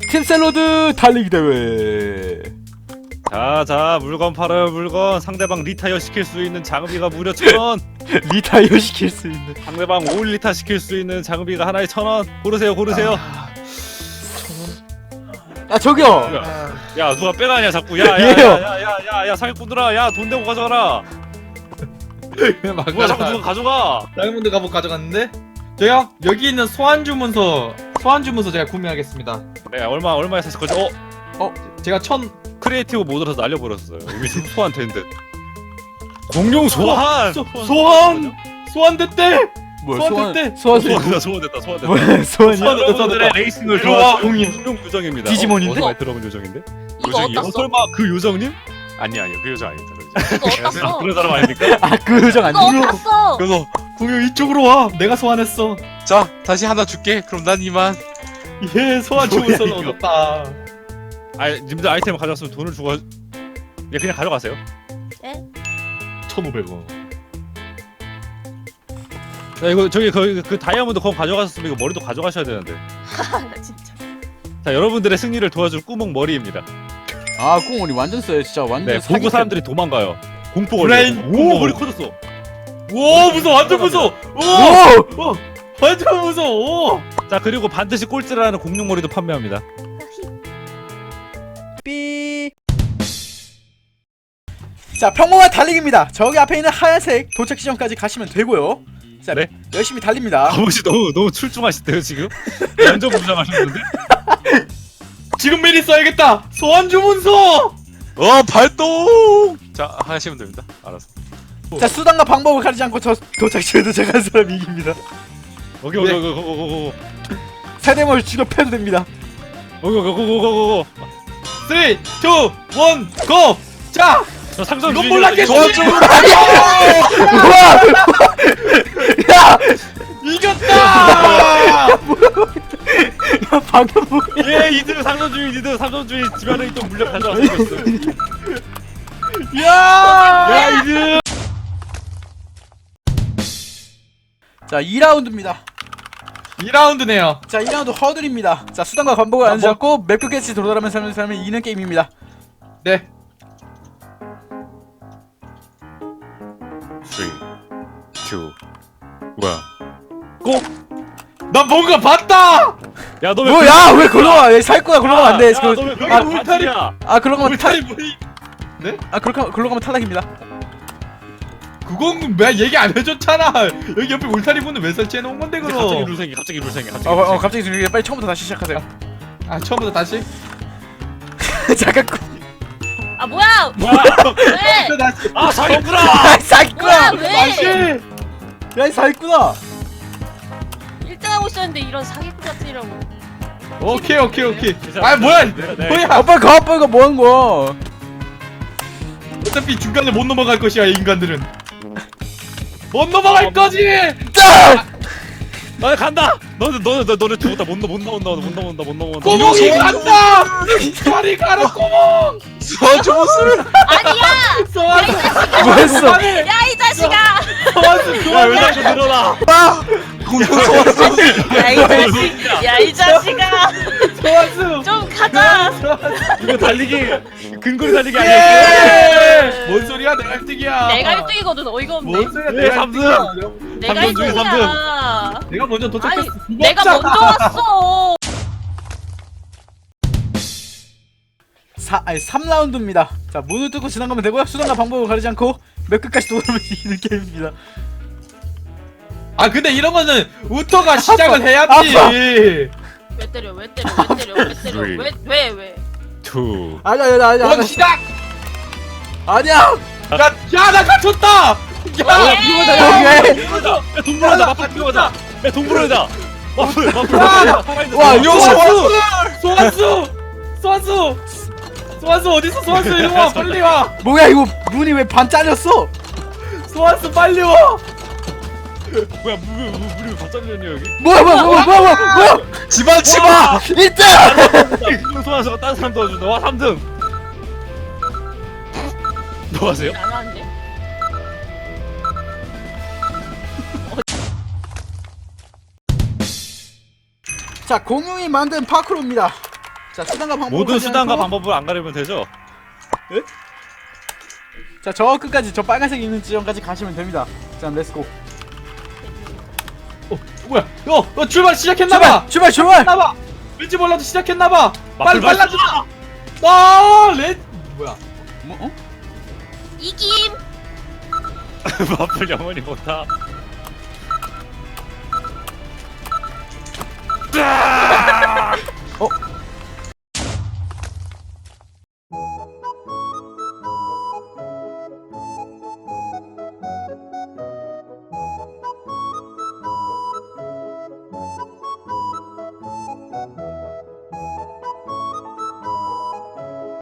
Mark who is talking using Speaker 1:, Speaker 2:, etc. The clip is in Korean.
Speaker 1: 팀샐러드 달리기 대회.
Speaker 2: 자, 물건 팔아요, 물건. 상대방 리타이어 시킬 수 있는 장비가 무려 1,000원.
Speaker 1: 리타이어 시킬 수 있는.
Speaker 2: 상대방 5리타 시킬 수 있는 장비가 하나에 1,000원. 고르세요.
Speaker 1: 아 저기요.
Speaker 2: 야, 누가 빼가냐 자꾸.
Speaker 1: 얘요.
Speaker 2: 야, 사기꾼들아. 야, 돈 내고 가져가라. 누가 자꾸 누가 가져가.
Speaker 3: 다이아몬드 갑옷 가져갔는데? 저요? 여기 있는 소환주문서 제가 구매하겠습니다.
Speaker 2: 네, 얼마에 사실 거죠?
Speaker 3: 제가
Speaker 2: 크리에이티브 모드라서 날려버렸어요. 이미 소환 된 듯. 공룡 소환.
Speaker 3: 소환됐대!
Speaker 1: 뭐야
Speaker 3: 소환됐대!
Speaker 2: 소환됐다.
Speaker 1: 뭐야 소환이야?
Speaker 2: 여러분들의 레이싱을
Speaker 3: 이리 와,
Speaker 2: 도와줄
Speaker 3: 공룡.
Speaker 2: 공룡 요정입니다.
Speaker 1: 디지몬인데?
Speaker 2: 어디서 많이 들어본 요정인데?
Speaker 4: 이거
Speaker 2: 요정이요?
Speaker 4: 어디다 써?
Speaker 2: 설마 그 요정님?
Speaker 5: 아니요 그 여자 아닙니다.
Speaker 4: 이거 어디다 써?
Speaker 2: 그런 사람 아닙니까?
Speaker 1: 아 그 요정
Speaker 4: 이거
Speaker 1: 아니야?
Speaker 4: 어디다 써?
Speaker 5: 그래서
Speaker 3: 공룡 이쪽으로 와! 내가 소환했어.
Speaker 5: 자 다시 하나 줄게. 그럼 난 이만.
Speaker 3: 예, 소환주문서는
Speaker 2: 뭐야, 이거.
Speaker 3: 얻었다.
Speaker 2: 님들 아이템을 가져왔으면 돈을 주고 그냥 가져가세요.
Speaker 3: 1,500원.
Speaker 2: 자, 이거 저기 그 다이아몬드 검 가져가셨으면 이거 머리도 가져가셔야 되는데.
Speaker 4: 나 진짜.
Speaker 2: 자, 여러분들의 승리를 도와줄 꾸멍 머리입니다.
Speaker 1: 아 꽁머리 완전 써요 진짜 완전.
Speaker 2: 네, 보고 사람들이 도망가요. 공포
Speaker 3: 브레인.
Speaker 2: 걸려. 오, 머리 커졌어.
Speaker 3: 오, 무서워! 완전 무서워!
Speaker 1: 오!
Speaker 3: 완전 무서워!
Speaker 2: 자, 그리고 반드시 꼴찌라는 공룡 머리도 판매합니다.
Speaker 1: 삐. 자 평범한 달리기입니다. 저기 앞에 있는 하얀색 도착 지점까지 가시면 되고요. 자
Speaker 2: 네.
Speaker 1: 열심히 달립니다.
Speaker 2: 아버지 너무 출중하시대요 지금. 완전 무장하셨는데.
Speaker 3: 지금 미리 써야겠다! 소환주문서!
Speaker 5: 발동. 자 하시면 됩니다. 알았어.
Speaker 1: 자 수단과 방법을 가리지 않고 저 도착지에 도착한 사람이 이깁니다.
Speaker 2: 오케이.
Speaker 1: 세대머리 죽여 패도 됩니다.
Speaker 2: 고고고고고고고.
Speaker 3: 3, 2, 1, GO! 자!
Speaker 2: 저 상점
Speaker 3: 이건
Speaker 2: 주인이
Speaker 3: 몰랐겠지!
Speaker 1: 우와! 야!
Speaker 3: 이겼다!
Speaker 1: 야 방금 뭐야?
Speaker 2: 예, 이들 상점 주인 집안에 있던 물량 가져와서 있어.
Speaker 3: 야!
Speaker 2: 이들.
Speaker 1: 자 2라운드입니다.
Speaker 3: 2라운드네요.
Speaker 1: 자 2라운드 허들입니다. 자 수단과 반복을 안 잡고 맵 끝까지 돌아가면서 하는 사람이 이기는 게임입니다.
Speaker 3: 네.
Speaker 5: 3, 2, 1.
Speaker 3: 나 뭔가 봤다!
Speaker 2: 야, 너 왜?
Speaker 1: 뭐야 왜 걸어와? 왜 살거야 걸어가면 안 돼.
Speaker 2: 너왜
Speaker 3: 여기
Speaker 2: 아,
Speaker 3: 울타리.
Speaker 1: 아 그런 거면
Speaker 3: 울타리 뭐이?
Speaker 1: 그런 거면 탈락입니다.
Speaker 3: 그건 왜 얘기 안 해줬잖아. 여기 옆에 울타리 문은 왜 설치해 놓은 건데
Speaker 2: 갑자기
Speaker 3: 그럼?
Speaker 2: 룰 생겨. 갑자기 룰 생겨.
Speaker 1: 갑자기 들리게 빨리 처음부터 다시 시작하세요.
Speaker 3: 아 처음부터 다시?
Speaker 1: 잠깐.
Speaker 4: 아 뭐야? 왜?
Speaker 3: 다시.
Speaker 2: 아, 사기꾼아!
Speaker 1: 야 사기꾼아.
Speaker 4: 뭐야 왜?
Speaker 3: 다시.
Speaker 1: 야이 사기꾼아.
Speaker 4: 1등하고 있었는데 이런 사기꾼 같은 이라고.
Speaker 3: 오케이. 아 뭐야? 뭐야?
Speaker 1: 아빠 가 아빠 이거 뭐 하는 거야?
Speaker 3: 어차피 중간에 못 넘어갈 것이야 이 인간들은. 못 넘어갈 거지.
Speaker 2: 너네 간다. 너네 죽었다. 못 넘어온다.
Speaker 3: 구멍이 간다. 다리 가라 구멍.
Speaker 5: 소환주문서.
Speaker 4: 아니야!
Speaker 3: 소환수.
Speaker 1: 뭐 했어?
Speaker 4: 야 이 자식아!
Speaker 3: 소환수
Speaker 2: 야, 왜 자꾸 늘어나?
Speaker 5: 공룡 소환주문서.
Speaker 4: 야 이 자식! 야 이 자식아!
Speaker 3: 소환수.
Speaker 4: 좀 가자!
Speaker 2: 이거 달리기 근거리 달리기 아니었어?
Speaker 3: 뭔 소리야? 내가 1등이야.
Speaker 4: 내가 1등이거든 어이가 없네.
Speaker 3: 뭔 소리야?
Speaker 2: 예,
Speaker 3: 내가
Speaker 2: 삼등.
Speaker 3: 1등이야.
Speaker 4: 내가
Speaker 2: 삼등 중에
Speaker 4: 1등이야.
Speaker 3: 내가 먼저
Speaker 4: 아니
Speaker 3: 도착했어.
Speaker 4: 내가 먼저 왔어.
Speaker 1: 3라운드입니다. 자 문을 뚫고 지나가면 되고요. 수단과 방법을 가리지 않고 맵 끝까지 돌아오면 이기는 게임입니다.
Speaker 3: 아 근데 이런 거는 우터가 시작을 해야지.
Speaker 1: 아파.
Speaker 4: 왜 때려 왜?
Speaker 2: 2.
Speaker 1: 아니야.
Speaker 3: 원 시작.
Speaker 1: 아니야.
Speaker 3: 야나 갇혔다. 야.
Speaker 1: 여기.
Speaker 2: 야, 동물원이다. 마플 필요하다. 야, 동물원이다. 마플.
Speaker 1: 와
Speaker 3: 공룡
Speaker 1: 소환수.
Speaker 3: 소환수 어딨어? 소환수 이리 와 빨리 와.
Speaker 1: 뭐야 이거 문이 왜 반 잘렸어?
Speaker 3: 소환수 빨리 와.
Speaker 2: 뭐야, 물이 바짝이냐 여기?
Speaker 1: 뭐야?
Speaker 5: 집안 치마.
Speaker 1: 1등.
Speaker 2: 공룡 소환수가 다른 사람 도와준다. 와, 3등. 뭐 하세요?
Speaker 4: 안 하는데?
Speaker 1: 자 공룡이 만든 파크로입니다. 자 수단과 방법을
Speaker 2: 모든
Speaker 1: 가리지
Speaker 2: 수단과
Speaker 1: 않고.
Speaker 2: 방법을 안 가리면 되죠.
Speaker 1: 자 저 끝까지 저 빨간색 있는 지점까지 가시면 됩니다. 자 렛츠고.
Speaker 3: 뭐야? 출발 시작했나봐.
Speaker 1: 출발.
Speaker 3: 나봐. 왠지 몰라도 시작했나봐. 빨리
Speaker 2: 마플
Speaker 3: 빨라져. 렛 뭐야?
Speaker 1: 뭐 어?
Speaker 4: 이김.
Speaker 2: 마플 영원히 못하.